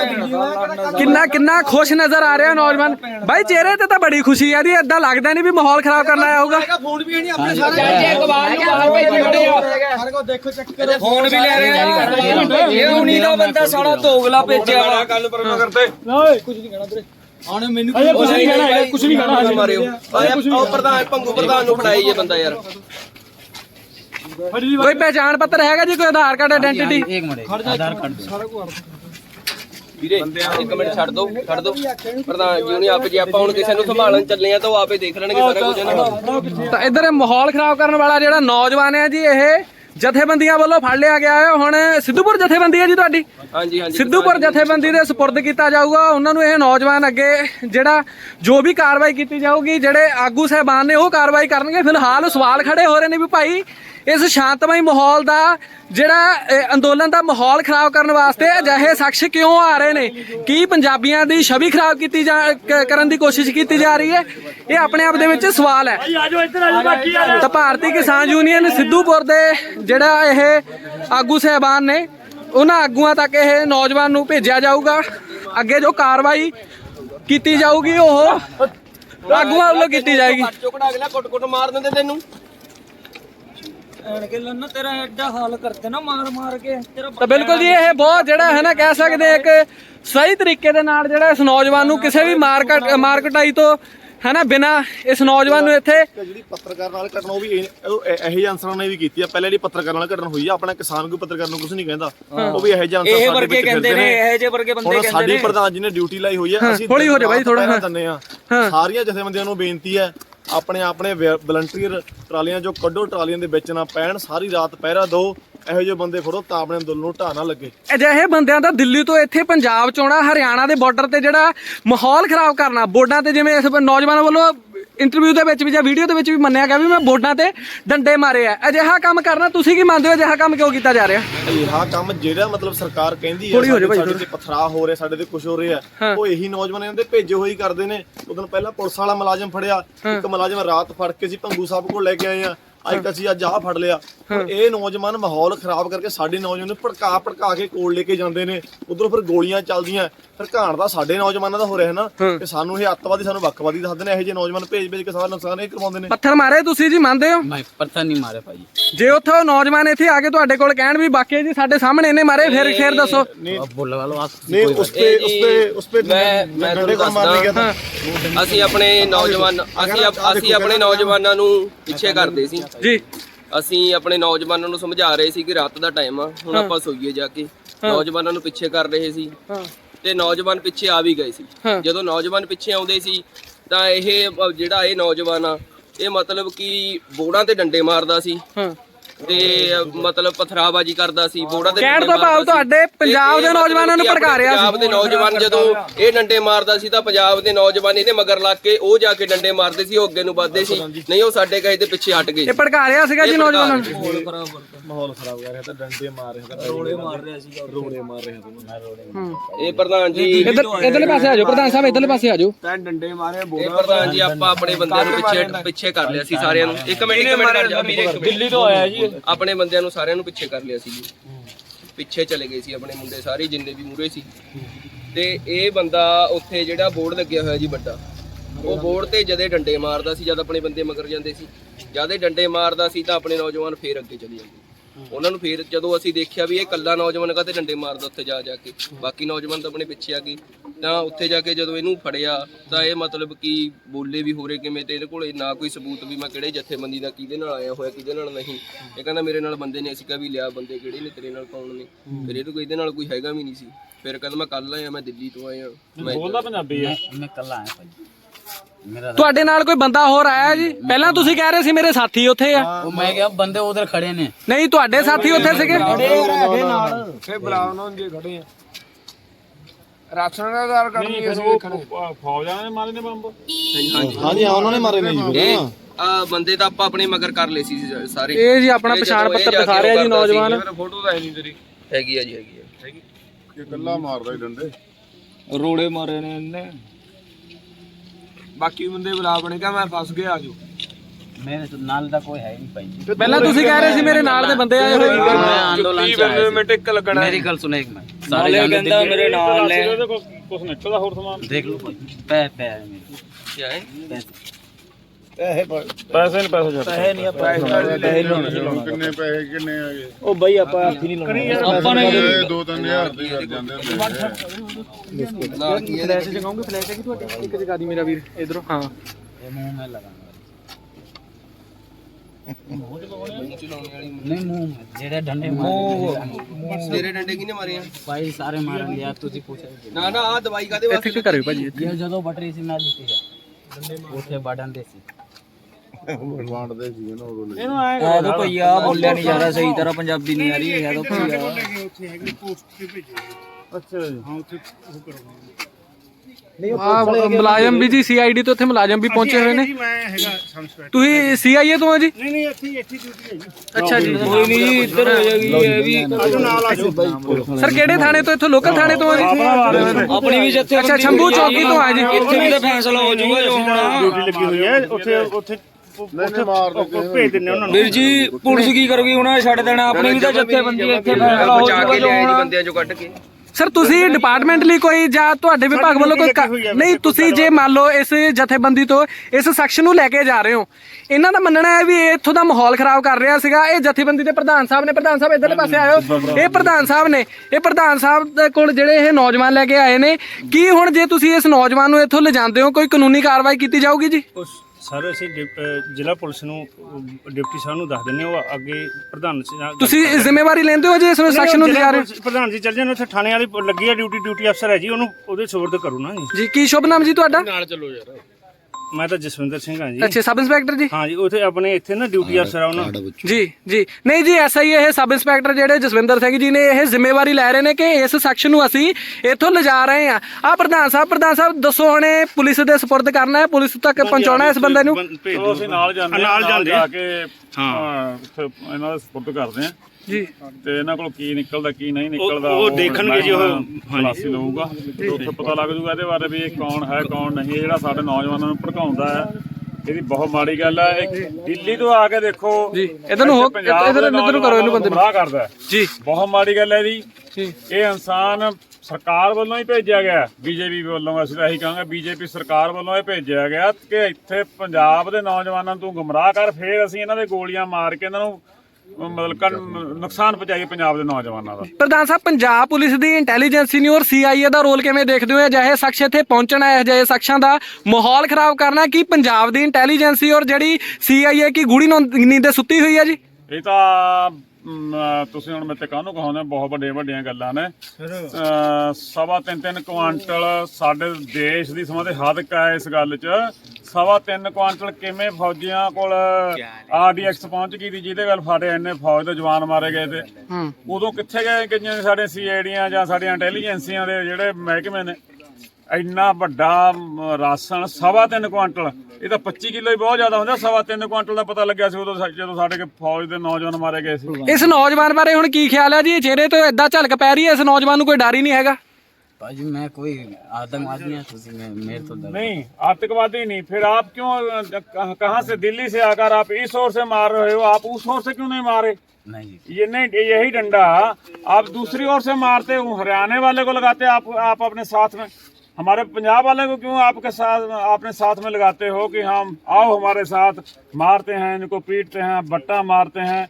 B: ਕਿੰਨਾ ਕਿੰਨਾ ਖੁਸ਼ ਨਜ਼ਰ ਆ ਰਿਹਾ ਨੌਜਵਾਨ। ਬਾਈ ਚਿਹਰੇ ਤੇ ਤਾਂ ਬੜੀ ਖੁਸ਼ੀ ਹੈ ਜੀ, ਏਦਾਂ ਲੱਗਦਾ ਨਹੀਂ ਵੀ ਮਾਹੌਲ ਖਰਾਬ ਕਰਨ ਆਇਆ ਹੋਊਗਾ।
A: ਫੋਨ ਵੀ ਨਹੀਂ ਆਪਣੇ ਸਾਰੇ
D: ਫੋਨ ਵੀ ਲੈ ਰਿਹਾ। ਇਹ ਉਨੀ ਦਾ ਬੰਦਾ ਸਾਲਾ ਦੋਗਲਾ ਭੇਜਿਆ ਵਾ।
E: ਗੱਲ ਪਰ ਨਾ ਕਰਦੇ
D: ਓਏ ਕੁਝ ਨਹੀਂ ਕਹਿਣਾ ਤੇਰੇ।
A: ਆਣੇ ਮੈਨੂੰ
D: ਅਜੇ ਕੁਝ ਨਹੀਂ ਕਹਿਣਾ ਹੈਗਾ, ਕੁਝ ਨਹੀਂ ਕਹਿਣਾ।
E: ਮਾਰਿਓ ਉਹ ਪ੍ਰਧਾਨ ਭੰਗੂ ਪ੍ਰਧਾਨ ਨੂੰ ਫੜਾਈ ਇਹ ਬੰਦਾ ਯਾਰ।
B: ਕੋਈ ਪਹਿਚਾਣ ਪੱਤਰ ਹੈਗਾ ਜੀ? ਕੋਈ ਆਧਾਰ ਕਾਰਡ, ਆਇਡੈਂਟੀਟੀ?
C: ਇੱਕ ਮਿੰਟ, ਆਧਾਰ ਕਾਰਡ
E: ਵੀਰੇ ਇੱਕ ਮਿੰਟ ਛੱਡ ਦੋ ਛੱਡ ਦੋ ਪ੍ਰਧਾਨ ਜੀ ਹੁਣੀ ਆਪ ਜੇ ਆਪਾਂ ਹੁਣ ਕਿਸੇ ਨੂੰ ਸੰਭਾਲਣ ਚੱਲੇ ਆ ਤਾਂ ਉਹ ਆਪੇ ਦੇਖ ਲੈਣਗੇ ਸਾਰਾ ਕੁਝ ਇਹਨਾਂ ਦਾ।
B: ਤਾਂ ਇੱਧਰ ਇਹ ਮਾਹੌਲ ਖਰਾਬ ਕਰਨ ਵਾਲਾ ਜਿਹੜਾ ਨੌਜਵਾਨ ਹੈ ਜੀ, ਇਹ ਜਥੇਬੰਦੀਆਂ ਵੱਲੋਂ ਫੜ ਲਿਆ ਗਿਆ ਹੈ। ਹੁਣ ਸਿੱਧੂਪੁਰ ਜਥੇਬੰਦੀ ਹੈ ਜੀ ਤੁਹਾਡੀ,
E: ਹਾਂਜੀ ਹਾਂਜੀ
B: ਸਿੱਧੂਪੁਰ ਜਥੇਬੰਦੀ ਦੇ ਸਪੁਰਦ ਕੀਤਾ ਜਾਊਗਾ ਉਹਨਾਂ ਨੂੰ। ਇਹ ਨੌਜਵਾਨ ਅੱਗੇ ਜਿਹੜਾ ਜੋ ਵੀ ਕਾਰਵਾਈ ਕੀਤੀ ਜਾਊਗੀ, ਜਿਹੜੇ ਆਗੂ ਸਾਹਿਬਾਨ ਨੇ ਉਹ ਕਾਰਵਾਈ ਕਰਨਗੇ। ਫਿਲਹਾਲ ਸਵਾਲ ਖੜੇ ਹੋ ਰਹੇ ਨੇ ਵੀ ਭਾਈ ਇਸ ਸ਼ਾਂਤਮਈ ਮਾਹੌਲ ਦਾ ਜਿਹੜਾ ਇਹ ਅੰਦੋਲਨ ਦਾ ਮਾਹੌਲ ਖਰਾਬ ਕਰਨ ਵਾਸਤੇ ਅਜਿਹੇ ਸ਼ਖਸ ਕਿਉਂ ਆ ਰਹੇ ਨੇ? ਕੀ ਪੰਜਾਬੀਆਂ ਦੀ ਛਵੀ ਖਰਾਬ ਕੀਤੀ ਜਾ ਕ- ਕਰਨ ਦੀ ਕੋਸ਼ਿਸ਼ ਕੀਤੀ ਜਾ ਰਹੀ ਹੈ? ਇਹ ਆਪਣੇ ਆਪ ਦੇ ਵਿੱਚ ਸਵਾਲ ਹੈ। ਤਾਂ ਭਾਰਤੀ ਕਿਸਾਨ ਯੂਨੀਅਨ ਸਿੱਧੂਪੁਰ ਦੇ ਜਿਹੜਾ ਇਹ ਆਗੂ ਸਾਹਿਬਾਨ ਨੇ, ਉਹਨਾਂ ਆਗੂਆਂ ਤੱਕ ਇਹ ਨੌਜਵਾਨ ਨੂੰ ਭੇਜਿਆ ਜਾਊਗਾ। ਅੱਗੇ ਜੋ ਕਾਰਵਾਈ ਕੀਤੀ ਜਾਊਗੀ ਉਹ ਆਗੂਆਂ ਵੱਲੋਂ ਕੀਤੀ ਜਾਏਗੀ।
E: ਚੁਕੜਾ ਅਗਲਾ ਕੁੱਟ ਕੁੱਟ ਮਾਰ ਦਿੰਦੇ ਤੈਨੂੰ।
D: ਐਣ ਕੇ ਲੰਨਾ ਤੇਰਾ ਐਡਾ ਹਾਲ ਕਰਤੇ ਨਾ ਮਾਰ ਮਾਰ ਕੇ ਤੇਰਾ
B: ਤਾਂ ਬਿਲਕੁਲ ਜੀ ਇਹ ਬਹੁਤ ਜਿਹੜਾ ਹੈ ਨਾ ਕਹਿ ਸਕਦੇ ਇੱਕ ਸਹੀ ਤਰੀਕੇ ਦੇ ਨਾਲ ਜਿਹੜਾ ਇਸ ਨੌਜਵਾਨ ਨੂੰ ਕਿਸੇ ਵੀ ਮਾਰਕਟ ਮਾਰਕਟਾਈ ਤੋਂ ਹੈ ਨਾ ਬਿਨਾ ਇਸ ਨੌਜਵਾਨ ਨੂੰ ਇੱਥੇ
F: ਜਿਹੜੀ ਪੱਤਰਕਾਰ ਨਾਲ ਘਟਨਾ ਉਹ ਵੀ ਇਹ- ਉਹ ਇਹੋ ਜਿਹੇ ਅਨਸਰਾਂ ਨੇ ਵੀ ਕੀਤੀ ਆ। ਪਹਿਲਾਂ ਜਿਹੜੀ ਪੱਤਰਕਾਰ ਨਾਲ ਘਟਨਾ ਹੋਈ ਆ, ਆਪਣਾ ਕਿਸਾਨ ਕੋਈ ਪੱਤਰਕਾਰ ਨੂੰ ਕੁਝ ਨਹੀਂ ਕਹਿੰਦਾ, ਉਹ ਵੀ ਇਹੋ ਜਿਹੇ ਅਨਸਰ
D: ਇਹ
F: ਸਾਡੇ
D: ਵਰਗੇ
F: ਵਿੱਚ
D: ਕਹਿੰਦੇ
F: ਫਿਰਦੇ
D: ਨੇ, ਇਹੋ ਜਿਹੇ ਵਰਗੇ ਬੰਦੇ
F: ਹੁਣ
D: ਕਹਿੰਦੇ
F: ਸਾਡੀ
D: ਨੇ।
F: ਪ੍ਰਧਾਨ ਜੀ ਨੇ ਡਿਊਟੀ ਲਾਈ ਹੋਈ ਆ। ਅਸੀਂ
B: ਹੌਲੀ ਹੋ ਜਾ ਬਾਈ ਥੋੜ੍ਹਾ,
F: ਪਹਿਲਾਂ
B: ਹਾਂ।
F: ਦਿੰਦੇ ਆ।
B: ਹਾਂ।
F: ਸਾਰੀਆਂ ਜਥੇਬੰਦੀਆਂ ਨੂੰ ਬੇਨਤੀ ਹੈ, ਆਪਣੇ ਆਪਣੇ ਵਲੰਟੀਅਰ ਟਰਾਲੀਆਂ ਜੋ ਕੱਢੋ, ਟਰਾਲੀਆਂ ਦੇ ਵਿੱਚ ਨਾ ਪੈਣ, ਸਾਰੀ ਰਾਤ ਪਹਿਰਾ ਦਿਓ। ਇਹੋ ਜਿਹੇ ਬੰਦੇ ਫੜੋ ਤਾਂ ਆਪਣੇ ਅੰਦੋਲਨ ਨੂੰ ਢਾਹ ਨਾ ਲੱਗੇ।
B: ਅਜਿਹੇ ਬੰਦਿਆਂ ਦਾ ਦਿੱਲੀ ਤੋਂ ਇੱਥੇ ਪੰਜਾਬ ਚ ਆਉਣਾ, ਹਰਿਆਣਾ ਦੇ ਬਾਰਡਰ ਤੇ ਜਿਹੜਾ ਮਾਹੌਲ ਖਰਾਬ ਕਰਨਾ, ਬੋਰਡਾਂ ਤੇ ਜਿਵੇਂ ਇਸ ਨੌਜਵਾਨ ਵੱਲੋਂ ਇੰਟਰਵਿਊ ਦੇ ਵਿੱਚ ਵੀ ਜਾਂ ਵੀਡੀਓ ਦੇ ਵਿੱਚ ਵੀ ਮੰਨਿਆ ਗਿਆ ਵੀ ਮੈਂ ਬੋਰਡਾਂ ਤੇ ਡੰਡੇ ਮਾਰੇ ਆ। ਅਜਿਹਾ ਕੰਮ ਕਰਨਾ ਤੁਸੀਂ ਕੀ ਮੰਨਦੇ ਹੋ? ਅਜਿਹਾ ਕੰਮ ਕਿਉਂ ਕੀਤਾ ਜਾ ਰਿਹਾ?
F: ਇਹ ਕੰਮ ਜਿਹੜਾ ਮਤਲਬ ਸਰਕਾਰ ਕਹਿੰਦੀ ਹੈ
B: ਹੌਲੀ ਹੋ ਜਾ ਭਾਈ,
F: ਸਾਡੇ ਤੇ ਪਥਰਾ ਹੋ ਰਿਹਾ, ਸਾਡੇ ਤੇ ਕੁਝ ਹੋ ਰਿਹਾ, ਉਹ ਇਹੀ ਨੌਜਵਾਨ ਇਹਨਾਂ ਦੇ ਭੇਜੇ ਹੋਏ ਹੀ ਕਰਦੇ ਨੇ। ਉਦੋਂ ਪਹਿਲਾਂ ਪੁਲਿਸ ਵਾਲਾ ਮੁਲਾਜ਼ਮ ਫੜਿਆ, ਇੱਕ ਮੁਲਾਜ਼ਮ ਰਾਤ ਫੜ ਕੇ ਅਸੀਂ ਭੰਗੂ ਸਾਹਿਬ ਕੋਲ ਲੈ ਕੇ ਆਏ ਆ। ਅੱਜ ਅਸੀਂ ਅੱਜ ਆਹ ਫੜ ਲਿਆ। ਹੁਣ ਇਹ ਨੌਜਵਾਨ ਮਾਹੌਲ ਖਰਾਬ ਕਰਕੇ ਸਾਡੇ ਨੌਜਵਾਨ ਨੂੰ ਭੜਕਾ ਭੜਕਾ ਕੇ ਕੋਲ ਲੈ ਕੇ ਜਾਂਦੇ ਨੇ। ਉਧਰੋਂ ਫਿਰ ਗੋਲੀਆਂ ਚੱਲਦੀਆਂ, ਫਿਰ ਘਾਣ ਦਾ ਸਾਡੇ ਨੌਜਵਾਨਾਂ ਦਾ ਹੋ ਰਿਹਾ ਨਾ। ਤੇ ਸਾਨੂੰ ਇਹ ਅੱਤਵਾਦੀ, ਸਾਨੂੰ ਵੱਖਵਾਦੀ ਦੱਸਦੇ ਨੇ। ਇਹੋ ਜਿਹੇ ਨੌਜਵਾਨ ਭੇਜ ਭੇਜ ਕੇ ਸਾਰਾ ਨੁਕਸਾਨ ਇਹ ਕਰਵਾਉਂਦੇ ਨੇ।
B: ਪੱਥਰ ਮਾਰੇ ਤੁਸੀਂ ਜੀ, ਮੰਨਦੇ ਹੋ?
C: ਮੈਂ ਪੱਥਰ ਨਹੀਂ ਮਾਰੇ ਭਾਈ।
B: ਜੇ ਉੱਥੇ ਉਹ ਨੌਜਵਾਨ ਇੱਥੇ ਆ ਕੇ ਤੁਹਾਡੇ ਕੋਲ ਕਹਿਣ ਵੀ ਬਾਕੀ ਜੀ ਸਾਡੇ ਸਾਹਮਣੇ ਇਹਨੇ ਮਾਰੇ, ਫਿਰ ਫਿਰ ਦੱਸੋ।
C: अब बोलने वालों आप
F: ਨਹੀਂ ਉਸ ਤੇ ਉਸ ਤੇ ਉਸ ਤੇ
E: ਮੈਂ ਮੈਂ ਤੁਹਾਨੂੰ ਦੱਸਦਾ, ਅਸੀਂ ਆਪਣੇ ਨੌਜਵਾਨ ਅਸੀਂ ਆਪ- ਅਸੀਂ ਆਪਣੇ ਨੌਜਵਾਨਾਂ ਨੂੰ ਪਿੱਛੇ ਕਰਦੇ ਸੀ
B: ਜੀ।
E: ਅਸੀਂ ਆਪਣੇ ਨੌਜਵਾਨਾਂ ਨੂੰ ਸਮਝਾ ਰਹੇ ਸੀ ਕਿ ਰਾਤ ਦਾ ਟਾਈਮ ਆ, ਹੁਣ ਆਪਾਂ ਸੋਈਏ ਜਾ ਕੇ। ਨੌਜਵਾਨਾਂ ਨੂੰ ਪਿੱਛੇ ਕਰ ਰਹੇ ਸੀ ਤੇ ਨੌਜਵਾਨ ਪਿੱਛੇ ਆ ਵੀ ਗਏ ਸੀ। ਜਦੋਂ ਨੌਜਵਾਨ ਪਿੱਛੇ ਆਉਂਦੇ ਸੀ ਤਾਂ ਇਹ ਅ, ਜਿਹੜਾ ਇਹ ਨੌਜਵਾਨ ਆ, ਇਹ ਮਤਲਬ ਕਿ ਬੋੜਾਂ ਤੇ ਡੰਡੇ ਮਾਰਦਾ ਸੀ ਤੇ ਮਤਲਬ ਪਥਰਾਬਾਜੀ ਕਰਦਾ ਸੀ, ਬੋੜਾਂ ਤੇ
B: ਕਹਿਣ
E: ਡੰਡੇ
B: ਤੋਂ ਭਾਵ
E: ਮਾਰਦਾ ਸੀ।
B: ਤੁਹਾਡੇ ਪੰਜਾਬ
E: ਤੇ
B: ਦੇ
E: ਇਹ
B: ਨੌਜਵਾਨਾਂ ਨੂੰ
E: ਮਤਲਬ ਕਿ
B: ਭੜਕਾ ਰਿਹਾ ਸੀ।
E: ਪੰਜਾਬ ਦੇ ਨੌਜਵਾਨ ਜਦੋਂ ਇਹ ਡੰਡੇ ਮਾਰਦਾ ਸੀ ਤਾਂ ਪੰਜਾਬ ਦੇ ਨੌਜਵਾਨ ਇਹਦੇ ਮਗਰ ਲੱਗ ਕੇ ਉਹ ਜਾ ਕੇ ਡੰਡੇ ਮਾਰਦੇ ਸੀ, ਉਹ ਅੱਗੇ ਨੂੰ ਵੱਧਦੇ ਸੀ, ਨਹੀਂ ਉਹ ਸਾਡੇ ਕਹੇ ਤੇ ਪਿੱਛੇ ਹਟ ਗਏ।
B: ਇਹ ਭੜਕਾ ਰਿਹਾ ਸੀਗਾ ਜੀ
E: ਇਹ
B: ਨੌਜਵਾਨਾਂ ਨੂੰ।
F: ਮਾਹੌਲ ਖਰਾਬ ਕਰ ਰਿਹਾ ਤਾਂ ਡੰਡੇ ਮਾਰ ਰਿਹਾ ਤਾਂ ਰੋੜੇ ਮਾਰ ਰਿਹਾ ਸੀ, ਰੋੜੇ ਮਾਰ ਰਿਹਾ ਸੀ।
E: ਇਹ ਪ੍ਰਧਾਨ ਜੀ
B: ਇੱਧਰ ਇਧਰਲੇ ਪਾਸੇ ਆ ਜਾਓ ਪ੍ਰਧਾਨ ਸਾਹਿਬ, ਇਧਰਲੇ ਪਾਸੇ ਆ ਜਾਓ।
E: ਇਹ ਪ੍ਰਧਾਨ ਜੀ ਆਪਾਂ ਆਪਣੇ ਬੰਦਿਆਂ ਨੂੰ ਪਿੱਛੇ ਪਿੱਛੇ ਕਰ ਲਿਆ ਸੀ ਸਾਰਿਆਂ ਨੂੰ। ਇੱਕ ਮਿੰਟ ਇੱਕ ਮਿੰਟ ਵੀਰੇ, ਦਿੱਲੀ ਤੋਂ ਆਇਆ ਜੀ। ਆਪਣੇ ਬੰਦਿਆਂ ਨੂੰ ਸਾਰਿਆਂ ਨੂੰ ਪਿੱਛੇ ਕਰ ਲਿਆ ਸੀ ਜੀ, ਪਿੱਛੇ ਚਲੇ ਗਏ ਸੀ ਆਪਣੇ ਮੁੰਡੇ ਸਾਰੇ ਜਿੰਨੇ ਵੀ ਮੂਰੇ ਸੀ। ਤੇ ਇਹ ਬੰਦਾ ਉੱਥੇ ਜਿਹੜਾ ਬੋਰਡ ਲੱਗਿਆ ਹੋਇਆ ਜੀ ਵੱਡਾ, ਉਹ ਬੋਰਡ ਤੇ ਜਦੇ ਡੰਡੇ ਮਾਰਦਾ ਸੀ ਜਦ ਆਪਣੇ ਬੰਦੇ ਮਗਰ ਜਾਂਦੇ ਸੀ। ਜਦ ਇਹ ਡੰਡੇ ਮਾਰਦਾ ਸੀ ਤਾਂ ਆਪਣੇ ਨੌਜਵਾਨ ਫੇਰ ਅੱਗੇ ਚਲੇ ਜਾਂਦੇ। ਉਹਨਾਂ ਨੂੰ ਫੇਰ ਜਦੋਂ ਅਸੀਂ ਦੇਖਿਆ ਵੀ ਇਹ ਇਕੱਲਾ ਨੌਜਵਾਨ ਕਾਹਤੇ ਡੰਡੇ ਮਾਰਦਾ ਉੱਥੇ ਜਾ ਜਾ ਕੇ, ਬਾਕੀ ਨੌਜਵਾਨ ਤਾਂ ਆਪਣੇ ਪਿੱਛੇ ਆ ਗਏ। ਤਾਂ ਉੱਥੇ ਜਾ ਕੇ ਜਦੋਂ ਇਹਨੂੰ ਫੜਿਆ ਤਾਂ ਇਹ ਮਤਲਬ ਕਿ ਬੋਲੇ ਵੀ ਹੋ ਰਹੇ ਕਿਵੇਂ, ਤੇ ਇਹਦੇ ਕੋਲ ਨਾ ਕੋਈ ਸਬੂਤ ਵੀ ਮੈਂ ਕਿਹੜੇ ਜਥੇਬੰਦੀ ਦਾ ਕਿਹਦੇ ਨਾਲ ਆਇਆ ਹੋਇਆ ਕਿਹਦੇ ਨਾਲ ਨਹੀਂ। ਇਹ ਕਹਿੰਦਾ ਮੇਰੇ ਨਾਲ ਬੰਦੇ ਨੇ। ਅਸੀਂ ਕਿਹਾ ਵੀ ਲਿਆ ਬੰਦੇ ਕਿਹੜੇ ਨੇ ਤੇਰੇ ਨਾਲ, ਕੌਣ ਨੇ? ਫਿਰ ਇਹਦੇ ਕੋਈ ਇਹਦੇ ਨਾਲ ਕੋਈ ਹੈਗਾ ਵੀ ਨਹੀਂ ਸੀ। ਫਿਰ ਕਹਿੰਦਾ ਮੈਂ ਕੱਲ ਆਇਆ, ਮੈਂ ਦਿੱਲੀ ਤੋਂ ਆਇਆ। ਬੋਲਦਾ ਪੰਜਾਬੀ ਆ।
C: मैं कल आया भाई। मेरा
B: ਤੁਹਾਡੇ ਨਾਲ ਕੋਈ ਬੰਦਾ ਹੋਰ ਆਇਆ ਜੀ? ਪਹਿਲਾਂ ਤੁਸੀਂ ਕਹਿ ਰਹੇ ਸੀ ਮੇਰੇ ਸਾਥੀ ਉੱਥੇ ਆ।
C: वो मैं क्या बंदे उधर खड़े ने।
B: ਨਹੀਂ ਤੁਹਾਡੇ ਸਾਥੀ ਉੱਥੇ ਸੀਗੇ?
A: ਫੇ ਬੁਲਾਓ ਨਾ ਜੇ ਖੜੇ ਆ ਰਾਸ਼ਨ ਦਾ ਆਧਾਰ ਕਾਰਡ ਨਹੀਂ ਅਸੀਂ
F: ਫੌਜਾਂ ਨੇ ਮਾਰੇ ਨੇ ਬੰਬ। ਹਾਂਜੀ ਹਾਂ, ਉਹਨਾਂ ਨੇ ਮਾਰੇ ਨੇ ਜੀ।
E: ਇਹ ਆ ਬੰਦੇ ਤਾਂ ਆਪਾਂ ਆਪਣੇ ਮਗਰ ਕਰ ਲਏ ਸੀ ਸਾਰੇ।
B: ਇਹ ਜੀ ਆਪਣਾ ਪਛਾਣ ਪੱਤਰ ਦਿਖਾ ਰਿਹਾ ਜੀ ਨੌਜਵਾਨ।
A: ਫੋਟੋ ਤਾਂ ਹੈ ਨਹੀਂ ਤੇਰੀ।
E: ਹੈਗੀ ਆ ਜੀ, ਹੈਗੀ ਆ।
F: ਇਹ ਗੱਲਾਂ ਮਾਰਦਾ ਹੀ ਡੰਡੇ।
A: ਰੋੜੇ ਮਾਰੇ ਨੇ ਇਹਨੇ। ਬਾਕੀ ਬੰਦੇ ਬੁਲਾ ਬਣੇ ਕਾ ਮੈਂ ਫਸ ਗਿਆ ਆਜੋ।
C: मेरे तो नाल दा कोई है नहीं भाई।
B: ਪਹਿਲਾਂ ਤੁਸੀਂ ਕਹਿ ਰਹੇ ਸੀ ਮੇਰੇ ਨਾਲ ਦੇ ਬੰਦੇ ਆਏ ਹੋਏ।
C: मैं आंदोलन से आया
A: ਮਿੰਟ ਇੱਕ
C: था।
A: ਲੱਗਣਾ।
C: मेरी गल सुने एक मिनट। सारे जाने
D: ਕਹਿੰਦਾ ਮੇਰੇ ਨਾਲ ਨੇ।
F: ਕੁਝ ਨਿਕਲਦਾ ਹੋਰ ਸਮਾਨ।
C: देख लो भाई। पै पै है मेरे।
E: ਕੀ ਹੈ?
F: ਪੈਸੇ ਪੈਸੇ ਨਹੀਂ ਪੈਸੇ ਛੱਡ।
D: ਪੈਸੇ ਨਹੀਂ ਆਪਾਂ
F: ਕਿੰਨੇ ਪੈਸੇ ਕਿੰਨੇ ਆ ਗਏ?
D: ਉਹ ਬਈ ਆਪਾਂ ਹੱਥ ਨਹੀਂ ਲਾਉਣਾ। ਆਪਾਂ ਨੇ
F: ਦੋ ਤਿੰਨ ਹਜ਼ਾਰ ਦੇ ਕਰ ਜਾਂਦੇ ਹੁੰਦੇ।
E: ਨਾ ਕੀ ਹੈ?
B: ਫਲੈਸ਼ ਜਗਾਉਂਗੇ, ਫਲੈਸ਼ ਹੈਗੀ ਤੁਹਾਡੀ? ਇੱਕ ਜਗਾ ਦੀ ਮੇਰਾ ਵੀਰ ਇਧਰੋਂ। ਹਾਂ
C: ये मुंह में लगाना। नहीं मुंह में जेड़े डंडे मारे
E: ਤੇਰੇ ਡੰਡੇ ਕਿਹਨੇ ਮਾਰੇ ਆ
C: भाई सारे मारन लिया तुझी पूछे
E: ਨਾ ਨਾ ਆ ਦਵਾਈ ਕਾਦੇ ਵਾਸਤੇ
B: ਇੱਥੇ ਕੀ ਕਰਿਓ ਭਾਜੀ
C: ये जदों बटरी सी ना जीती है उठे बाडन दे सी
F: ਵੰਡਦੇ ਸੀ ਇਹਨਾਂ ਉਦੋਂ
C: ए तो भैया बोलिया नहीं जा रहा सही तरह पंजाबी नहीं आ रही है तो भैया
F: ਅੱਛਾ ਜੀ
B: ਆ ਮੁਲਾਜ਼ਮ ਵੀ ਜੀ ਸੀਆਈਡੀ ਤੋਂ ਇੱਥੇ ਮੁਲਾਜ਼ਮ ਵੀ ਪਹੁੰਚੇ ਹੋਏ ਨੇ
G: ਮੈਂ ਹੈਗਾ ਸੰਸਪੈਕਟ
B: ਤੁਸੀਂ ਸੀਆਈਏ ਤੋਂ ਹੋ ਜੀ
G: ਨਹੀਂ ਨਹੀਂ ਇੱਥੇ ਇੱਥੇ ਡਿਊਟੀ ਹੈ ਜੀ
B: ਅੱਛਾ ਜੀ
C: कोई नहीं इधर हो जाएगी ये भी
G: ਆਜੋ ਨਾਲ ਆਜੋ
B: ਸਰ ਕਿਹੜੇ ਥਾਣੇ ਤੋਂ ਇੱਥੋਂ ਲੋਕਲ ਥਾਣੇ ਤੋਂ ਹੋ ਜੀ
C: अपनी भी जत्थे
B: ਅੱਛਾ ਸ਼ੰਭੂ ਚੌਕੀ ਤੋਂ ਆ ਜੀ
C: ਇੱਥੇ ਵੀ ਤਾਂ ਫੈਸਲਾ ਹੋ ਜਾਊਗਾ ਜੋ ਹੋਣਾ
G: ਡਿਊਟੀ ਲੱਗੀ ਹੋਈ ਹੈ ਉੱਥੇ ਉੱਥੇ ਉੱਥੇ ਭੇਜ ਦਿੰਦੇ ਉਹਨਾਂ ਨੂੰ
C: ਵੀਰ ਜੀ ਪੁਲਿਸ ਕੀ ਕਰੂਗੀ ਉਹਨਾਂ ਛੱਡ ਦੇਣਾ ਆਪਣੀ ਵੀ ਤਾਂ ਜੱਥੇਬੰਦੀ ਇੱਥੇ ਫੈਸਲਾ ਹੋ
E: ਬਚਾ ਕੇ
C: ਜਾਊਗਾ ਜੋ
E: ਲਿਆਏ ਜੀ
C: ਹੋਣਾ
E: ਬੰਦਿਆਂ ਚੋਂ ਕੱਢ ਕੇ
B: ਸਰ ਤੁਸੀਂ ਡਿਪਾਰਟਮੈਂਟਲੀ ਕੋਈ ਜਾਂ ਤੁਹਾਡੇ ਵਿਭਾਗ ਵੱਲੋਂ ਕੋਈ ਕ- ਨਹੀਂ ਤੁਸੀਂ ਜੇ ਮੰਨ ਲਓ ਇਸ ਜਥੇਬੰਦੀ ਤੋਂ ਇਸ ਸੈਕਸ਼ਨ ਨੂੰ ਲੈ ਕੇ ਜਾ ਰਹੇ ਹੋ ਇਹਨਾਂ ਦਾ ਮੰਨਣਾ ਹੈ ਵੀ ਇਹ ਇੱਥੋਂ ਦਾ ਮਾਹੌਲ ਖਰਾਬ ਕਰ ਰਿਹਾ ਸੀਗਾ ਇਹ ਜਥੇਬੰਦੀ ਦੇ ਪ੍ਰਧਾਨ ਸਾਹਿਬ ਨੇ ਪ੍ਰਧਾਨ ਸਾਹਿਬ ਇੱਧਰਲੇ ਪਾਸੇ ਆਇਓ ਇਹ ਪ੍ਰਧਾਨ ਸਾਹਿਬ ਨੇ ਇਹ ਪ੍ਰਧਾਨ ਸਾਹਿਬ ਦੇ ਕੋਲ ਜਿਹੜੇ ਇਹ ਨੌਜਵਾਨ ਲੈ ਕੇ ਆਏ ਨੇ ਕੀ ਹੁਣ ਜੇ ਤੁਸੀਂ ਇਸ ਨੌਜਵਾਨ ਨੂੰ ਇੱਥੋਂ ਲਿਜਾਂਦੇ ਹੋ ਕੋਈ ਕਾਨੂੰਨੀ ਕਾਰਵਾਈ ਕੀਤੀ ਜਾਊਗੀ ਜੀ
G: ਸਰ ਅਸੀਂ ਡਿਪ- ਅਹ ਜ਼ਿਲ੍ਹਾ ਪੁਲਿਸ ਨੂੰ ਅਹ ਡਿਪਟੀ ਸਾਹਿਬ ਨੂੰ ਦੱਸ ਦਿੰਦੇ ਹਾਂ, ਉਹ ਅੱਗੇ ਪ੍ਰਧਾਨ ਜੀ ਨਾਲ
B: ਤੁਸੀਂ ਜ਼ਿੰਮੇਵਾਰੀ ਲੈਂਦੇ ਹੋ ਜੇ ਇਸ ਸੈਕਸ਼ਨ ਨੂੰ ਲਿਜਾ ਰਹੇ ਹੋ
G: ਪ੍ਰਧਾਨ ਜੀ ਚੱਲ ਜਾਣ ਉੱਥੇ ਥਾਣੇ ਵਾਲੀ ਲੱਗੀ ਹੈ ਡਿਊਟੀ ਡਿਊਟੀ ਅਫਸਰ ਹੈ ਜੀ ਉਹਨੂੰ ਉਹਦੇ ਸਪੁਰਦ ਕਰੂ ਨਾ ਜੀ
B: ਜੀ ਕੀ ਸ਼ੁਭ ਨਾਮ ਜੀ ਤੁਹਾਡਾ
G: ਮੈਂ ਤਾਂ ਜਸਵਿੰਦਰ ਸਿੰਘ ਹਾਂ ਜੀ
B: ਅੱਛਾ ਸਬ ਇੰਸਪੈਕਟਰ ਜੀ
G: ਹਾਂ ਜੀ ਉੱਥੇ ਆਪਣੇ ਇੱਥੇ ਨਾ ਡਿਊਟੀ ਅਫਸਰ ਆ ਉਹਨਾਂ
B: ਜੀ ਜੀ ਨਹੀਂ ਜੀ ਐਸਆਈ ਇਹ ਸਬ ਇੰਸਪੈਕਟਰ ਜਿਹੜੇ ਜਸਵਿੰਦਰ ਸਿੰਘ ਜੀ ਨੇ ਇਹ ਜ਼ਿੰਮੇਵਾਰੀ ਲੈ ਰਹੇ ਨੇ ਕਿ ਇਸ ਸੈਕਸ਼ਨ ਨੂੰ ਅਸੀਂ ਇੱਥੋਂ ਲਿਜਾ ਰਹੇ ਆ ਆ ਪ੍ਰਧਾਨ ਸਾਹਿਬ ਪ੍ਰਧਾਨ ਸਾਹਿਬ ਦੱਸੋ ਹੁਣੇ ਪੁਲਿਸ ਦੇ ਸਪੁਰਦ ਕਰਨਾ ਹੈ ਪੁਲਿਸ ਤੱਕ ਪਹੁੰਚਾਉਣਾ ਇਸ ਬੰਦੇ ਨੂੰ
F: ਚਲੋ ਅਸੀਂ ਨਾਲ ਜਾਂਦੇ
G: ਨਾਲ ਜਾਂਦੇ
F: ਜਾ ਕੇ ਹਾਂ ਉੱਥੇ ਇਹਨਾਂ ਦਾ ਸਪੋਰਟ ਕਰਦੇ ਆ
B: ਜੀ
F: ਤੇ ਇਹਨਾਂ ਕੋਲ ਕੀ ਨਿਕਲਦਾ ਕੀ ਨਹੀਂ ਨਿਕਲਦਾ
G: ਉਹ ਦੇਖਣਗੇ ਜੀ ਉਹ
F: ਖਲਾਸੀ ਲਊਗਾ ਤੇ ਉੱਥੇ ਪਤਾ ਲੱਗ ਜੂਗਾ ਇਹਦੇ ਬਾਰੇ ਵੀ ਇਹ ਕੌਣ ਹੈ ਕੌਣ ਨਹੀਂ ਇਹ ਜਿਹੜਾ ਸਾਡੇ ਨੌਜਵਾਨਾਂ ਨੂੰ ਭੜਕਾਉਂਦਾ ਹੈ ਇਹਦੀ ਬਹੁਤ ਮਾੜੀ ਗੱਲ ਹੈ ਇਹ ਦਿੱਲੀ ਤੋਂ ਆ ਕੇ ਦੇਖੋ
B: ਜੀ ਇਧਰ ਨੂੰ ਹੋ
F: ਪੰਜਾਬ
B: ਇਧਰ
F: ਦੇ
B: ਇਧਰ ਨੂੰ ਕਰੋ ਇਹਨੂੰ ਬੰਦੇ ਨੂੰ
F: ਗੁੰਮਰਾਹ ਕਰਦਾ ਹੈ।
B: ਜੀ
F: ਬਹੁਤ ਮਾੜੀ ਗੱਲ ਹੈ ਇਹਦੀ
B: ਜੀ
F: ਇਹ ਇਨਸਾਨ ਸਰਕਾਰ ਵੱਲੋਂ ਹੀ ਭੇਜਿਆ ਗਿਆ ਬੀਜੇਪੀ ਵੱਲੋਂ ਅਸੀਂ ਤਾਂ ਇਹੀ ਕਹਾਂਗੇ ਬੀਜੇਪੀ ਸਰਕਾਰ ਵੱਲੋਂ ਇਹ ਭੇਜਿਆ ਗਿਆ ਕਿ ਇੱਥੇ ਪੰਜਾਬ ਦੇ ਨੌਜਵਾਨਾਂ ਨੂੰ ਤੂੰ ਗੁੰਮਰਾਹ ਕਰ ਫਿਰ ਅਸੀਂ ਇਹਨਾਂ ਦੇ ਗੋਲੀਆਂ ਮਾਰ ਕੇ ਇਹਨਾਂ ਨੂੰ ਮਤਲਬ ਕਿ ਨੁਕਸਾਨ ਪਹੁੰਚਾਈਏ ਪੰਜਾਬ ਦੇ ਨੌਜਵਾਨਾਂ ਦਾ
B: ਪ੍ਰਧਾਨ ਸਾਹਿਬ ਪੰਜਾਬ ਪੁਲਿਸ ਦੀ ਇੰਟੈਲੀਜੈਂਸ ਨਹੀਂ ਔਰ ਸੀਆਈਏ ਦਾ ਰੋਲ ਕਿਵੇਂ ਦੇਖਦੇ ਹੋ ਅਜਿਹੇ ਸ਼ਖਸ ਇੱਥੇ ਪਹੁੰਚਣਾ ਹੈ ਅਜਿਹੇ ਸ਼ਖਸਾਂ ਦਾ ਮਾਹੌਲ ਖਰਾਬ ਕਰਨਾ ਕੀ ਪੰਜਾਬ ਦੀ ਇੰਟੈਲੀਜੈਂਸ ਔਰ ਜਿਹੜੀ ਸੀਆਈਏ ਕੀ ਗੂੜੀ ਨੀਂਦ ਸੁੱਤੀ ਹੋਈ ਹੈ ਜੀ
F: ਇਹ ਤਾਂ ਮ, ਤੁਸੀਂ ਹੁਣ ਮੇਰੇ ਤੇ ਕਾਹਨੂੰ ਕਹਾਉਂਦੇ ਬਹੁਤ ਵੱਡੇ ਵੱਡੀਆਂ ਗੱਲਾਂ ਨੇ ਅਹ, ਸਵਾ ਤਿੰਨ ਤਿੰਨ ਕੁਆਂਟਲ ਸਾਡੇ ਦੇਸ਼ ਦੀ ਸਮਾਂ ਤੇ ਹੱਦ ਹੈ ਇਸ ਗੱਲ 'ਚ ਸਵਾ ਤਿੰਨ ਕੁਆਂਟਲ ਕਿਵੇਂ ਫੌਜੀਆਂ ਕੋਲ ਆਰਡੀਐਕਸ ਪਹੁੰਚ ਗਈ ਸੀ ਜਿਹਦੇ ਗੱਲ ਸਾਡੇ ਇੰਨੇ ਫੌਜ ਦੇ ਜਵਾਨ ਮਾਰੇ ਗਏ ਤੇ ਉਦੋਂ ਕਿੱਥੇ ਗਏ ਕਿੰਨੀਆਂ ਸਾਡੇ ਸੀਆਈਡੀਆਂ ਜਾਂ ਸਾਡੀਆਂ ਇੰਟੈਲੀਜੈਂਸੀਆਂ ਦੇ ਜਿਹੜੇ ਮਹਿਕਮੇ ਨੇ ਇੰਨਾ ਵੱਡਾ ਮ, ਰਾਸ਼ਨ ਸਵਾ ਤਿੰਨ ਕੁਆਂਟਲ ਇਹ ਤਾਂ ਪੱਚੀ ਕਿਲੋ ਹੀ ਬਹੁਤ ਜ਼ਿਆਦਾ ਹੁੰਦਾ ਸਵਾ ਤਿੰਨ ਕੁਆਂਟਲ ਦਾ ਪਤਾ ਲੱਗਿਆ ਸੀ ਉਦੋਂ ਸਾ- ਜਦੋਂ ਸਾਡੇ ਕੋਲ ਫੌਜ ਦੇ ਨੌਜਵਾਨ ਮਾਰੇ ਗਏ ਸੀ
B: ਇਸ ਨੌਜਵਾਨ ਬਾਰੇ ਹੁਣ ਕੀ ਖਿਆਲ ਹੈ ਜੀ ਚਿਹਰੇ ਤੋਂ ਏਦਾਂ ਝਲਕ ਪੈ ਰਹੀ ਹੈ ਇਸ ਨੌਜਵਾਨ ਨੂੰ ਕੋਈ ਡਰ ਹੀ ਨਹੀਂ ਹੈਗਾ
C: भाजी मैं कोई आतंकवादी है तुझे मैं मेरे तो डर
F: नहीं आतंकवादी नहीं फिर आप क्यों अ, कहाँ कहाँ से दिल्ली से आकर आप इस ओर से मार रहे हो आप उस ओर से क्यों नहीं मारे
C: नहीं जी
F: ये नहीं यही डंडा आप दूसरी ओर से मारते हो हरियाणा वाले को लगाते आप आप अपने साथ में हमारे पंजाब वाले को क्यों आपके साथ अपने साथ में लगाते हो कि हम आओ हमारे साथ मारते हैं इनको पीटते हैं बट्टा मारते हैं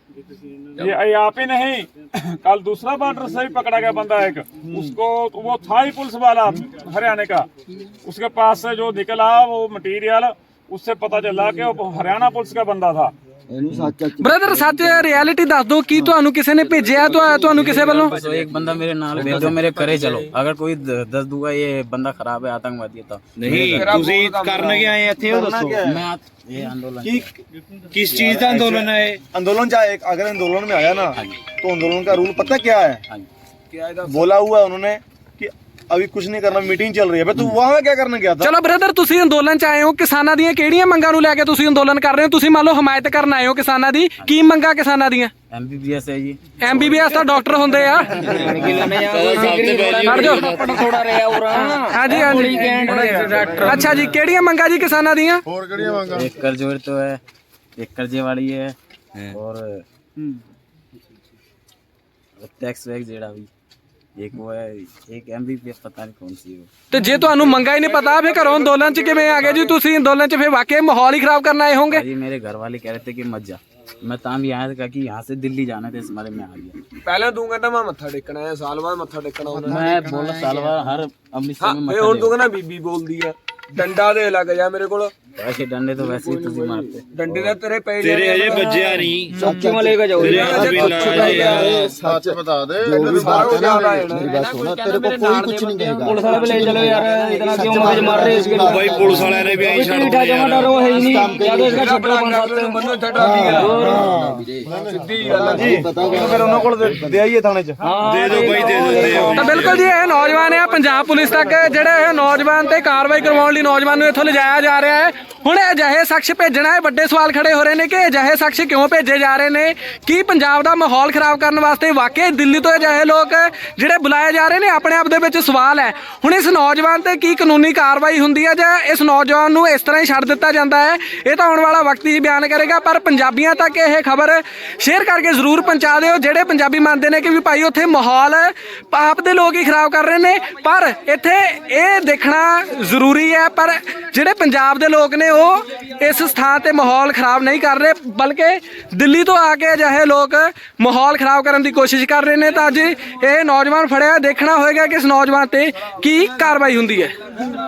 F: ये ये आप ही नहीं कल दूसरा बॉर्डर से भी पकड़ा गया बंदा एक उसको वो था ही पुलिस वाला हरियाणा का उसके पास से जो निकला वो मटेरियल उससे पता चला कि वो हरियाणा पुलिस का बंदा था
B: ਬ੍ਰਦਰ ਸੱਚ ਰਿਐਲਿਟੀ ਦੱਸ ਦਿਓ ਕੀ ਤੁਹਾਨੂੰ ਕਿਸੇ ਨੇ ਭੇਜਿਆ ਤੁਹਾ- ਤੁਹਾਨੂੰ ਕਿਸੇ ਵੱਲੋਂ
C: तो एक बंदा मेरे नाल भेज दो मेरे करे चलो अगर कोई द- दस दूंगा ये बंदा खराब है आतंकवादी है तो
A: ਨਹੀਂ ਤੁਸੀਂ ਕਰਨ ਕੇ ਆਏ ਇੱਥੇ ਉਹ ਦੱਸੋ
C: मैं आत- ये आंदोलन
A: किस चीज का आंदोलन है ये?
F: आंदोलन चाहे एक अगर आंदोलन में आया ना तो आंदोलन का रूल पता क्या है
C: हाँ जी।
F: बोला हुआ है उन्होंने कि अभी कुछ नहीं करना मीटिंग चल रही है तू वहां क्या करने गया था
B: ਚਲੋ ਬ੍ਰਦਰ ਤੁਸੀਂ ਅੰਦੋਲਨ ਚ ਆਏ ਹੋ ਕਿਸਾਨਾਂ ਦੀਆਂ ਕਿਹੜੀਆਂ ਮੰਗਾਂ ਨੂੰ ਲੈ ਕੇ ਤੁਸੀਂ ਅੰਦੋਲਨ ਕਰ ਰਹੇ ਹੋ ਤੁਸੀਂ ਮੰਨ ਲਓ ਹਮਾਇਤ ਕਰਨ ਆਏ ਹੋ ਕਿਸਾਨਾਂ ਦੀ ਕੀ ਮੰਗਾਂ ਕਿਸਾਨਾਂ ਦੀਆਂ
C: एमबीबीएस है जी
B: ਐਮਬੀਬੀਐਸ ਤਾਂ ਡਾਕਟਰ ਹੁੰਦੇ ਆ ਖੜ ਜਾਓ
C: थोड़ा रहा और
B: ਹਾਂਜੀ ਹਾਂਜੀ ਅੱਛਾ ਜੀ ਕਿਹੜੀਆਂ ਮੰਗਾਂ ਜੀ ਕਿਸਾਨਾਂ ਦੀਆਂ
F: और कड़िया मांगा
C: एक कर्जोर तो है एक कर्जे वाली है और टैक्स वैक्स जेड़ा भी एक वो है एक एमबीबीएस पता नहीं कौन सी है वो
B: ਤੇ ਜੇ ਤੁਹਾਨੂੰ ਮੰਗਾਂ ਹੀ ਨਹੀਂ ਪਤਾ ਫਿਰ ਘਰੋਂ ਅੰਦੋਲਨ ਚ ਕਿਵੇਂ ਆ ਗਏ ਜੀ ਤੁਸੀਂ ਅੰਦੋਲਨ ਚ ਫਿਰ ਵਾਕਈ ਮਾਹੌਲ ਹੀ ਖਰਾਬ ਕਰਨ ਆਏ ਹੋਵੋਗੇ
C: भाई मेरे घर वाले कह रहे थे कि मत जा मैं तां भी आया था कि यहाँ से दिल्ली जाना था इस बारे में आ गया
E: ਪਹਿਲਾਂ ਤੂੰ ਕਹਿੰਦਾ ਮੈਂ ਮੱਥਾ ਟੇਕਣਾ ਹੈ ਸਾਲ ਬਾਅਦ ਮੱਥਾ ਟੇਕਣਾ ਹੁੰਦਾ
C: मैं बोला साल भर हर अमृतसर में
E: ਫੇ
C: मत्था
E: ਹੁਣ ਤੂੰ ਕਹਿੰਦਾ ਬੀਬੀ ਬੋਲਦੀ ਆ ਡੰਡਾ ਦੇ ਲੱਗ ਜਾ ਮੇਰੇ ਕੋਲ
C: वैसे डंडे तो वैसे ही तुझे मारते
A: ਡੰਡੇ ਦਾ ਤੇਰੇ ਪੈ
H: ਤੇਰੇ ਅਜੇ ਵੱਜਿਆ ਨਹੀਂ
D: ਚੌਕੀ ਮਾ ਲੈ ਕੇ ਜਾਓ
H: ਤੇਰੇ ਹੱਥ ਵੀ ਲਾ ਯਾਰ
F: ਸੱਚ ਬਤਾ ਦੇ ਮੇਰੀ ਗੱਲ ਸੁਣ ਤੇਰੇ ਕੋਲ ਕੋਈ ਕੁਝ ਨਹੀਂ ਕਹੇਗਾ
D: ਪੁਲਿਸ ਵਾਲੇ ਵੀ ਲੈ ਚਲੋ यार इतना क्यों मगज मार रहे इसके
H: ਬਾਈ ਪੁਲਿਸ ਵਾਲਿਆਂ ਨੇ ਵੀ ਐਂ ਛੱਡ
D: मीठा
H: ਦਿੱਤਾ
D: जमा डरो है ही नहीं या तो इसका छपड़ा बन सकते
A: ਬੰਨੋ ਛੱਡਾ ਸਿੱਧੀ ਗੱਲ ਆ ਜੀ
F: ਫਿਰ ਉਹਨਾਂ ਕੋਲ ਦੇ ਆਈਏ ਥਾਣੇ 'ਚ
H: ਦੇ ਦਿਓ ਬਾਈ ਦੇ ਦਿੰਦੇ ਆ
B: ਤਾਂ ਬਿਲਕੁਲ ਜੀ ਇਹ ਨੌਜਵਾਨ ਆ ਪੰਜਾਬ ਪੁਲਿਸ ਤੱਕ ਜਿਹੜੇ ਇਹ ਨੌਜਵਾਨ ਤੇ ਕਾਰਵਾਈ ਕਰਵਾਉਣ ਲਈ ਨੌਜਵਾਨ ਨੂੰ ਇੱਥੋਂ ਲਿਜਾਇਆ ਜਾ ਰਿਹਾ ਹੈ। ਹੁਣ ਇਹ ਅਜਿਹੇ ਸ਼ਖਸ ਭੇਜਣਾ ਹੈ, ਵੱਡੇ ਸਵਾਲ ਖੜੇ ਹੋ ਰਹੇ ਨੇ ਕਿ ਅਜਿਹੇ ਸ਼ਖਸ ਕਿਉਂ ਭੇਜੇ ਜਾ ਰਹੇ ਨੇ? ਕੀ ਪੰਜਾਬ ਦਾ ਮਾਹੌਲ ਖਰਾਬ ਕਰਨ ਵਾਸਤੇ ਵਾਕਈ ਦਿੱਲੀ ਤੋਂ ਅਜਿਹੇ ਲੋਕ ਜਿਹੜੇ ਬੁਲਾਏ ਜਾ ਰਹੇ ਨੇ? ਆਪਣੇ ਆਪ ਦੇ ਵਿੱਚ ਸਵਾਲ ਹੈ। ਹੁਣ ਇਸ ਨੌਜਵਾਨ ਤੇ ਕੀ ਕਾਨੂੰਨੀ ਕਾਰਵਾਈ ਹੁੰਦੀ ਹੈ ਜਾਂ ਇਸ ਨੌਜਵਾਨ ਨੂੰ ਇਸ ਤਰ੍ਹਾਂ ਹੀ ਛੱਡ ਦਿੱਤਾ ਜਾਂਦਾ ਹੈ? ਇਹ ਤਾਂ ਆਉਣ ਵਾਲਾ ਵਕਤ ਹੀ ਬਿਆਨ ਕਰੇਗਾ। ਪਰ ਪੰਜਾਬੀਆਂ ਤੱਕ ਇਹ ਖਬਰ ਸ਼ੇਅਰ ਕਰਕੇ ਜ਼ਰੂਰ ਪਹੁੰਚਾ ਦਿਓ ਜਿਹੜੇ ਪੰਜਾਬੀ ਮੰਨਦੇ ਨੇ ਕਿ ਵੀ ਭਾਈ ਉੱਥੇ ਮਾਹੌਲ ਆਪ ਦੇ ਲੋਕ ਹੀ ਖਰਾਬ ਕਰ ਰਹੇ ਨੇ। ਪਰ ਇੱਥੇ ਇਹ ਦੇਖਣਾ ਜ਼ਰੂਰੀ ਹੈ ਪਰ ਜਿਹੜੇ ਪੰਜਾਬ ਦੇ ਲੋਕ ਨੇ ਉਹ ਇਸ ਸਥਾਨ ਤੇ ਮਾਹੌਲ ਖਰਾਬ ਨਹੀਂ ਕਰ ਰਹੇ, ਬਲਕਿ ਦਿੱਲੀ ਤੋਂ ਆ ਕੇ ਅਜਿਹੇ ਲੋਕ ਮਾਹੌਲ ਖਰਾਬ ਕਰਨ ਦੀ ਕੋਸ਼ਿਸ਼ ਕਰ ਰਹੇ ਨੇ। ਤਾਂ ਅੱਜ ਇਹ ਨੌਜਵਾਨ ਫੜਿਆ, ਦੇਖਣਾ ਹੋਏਗਾ ਕਿ ਇਸ ਨੌਜਵਾਨ ਤੇ ਕੀ ਕਾਰਵਾਈ ਹੁੰਦੀ ਹੈ।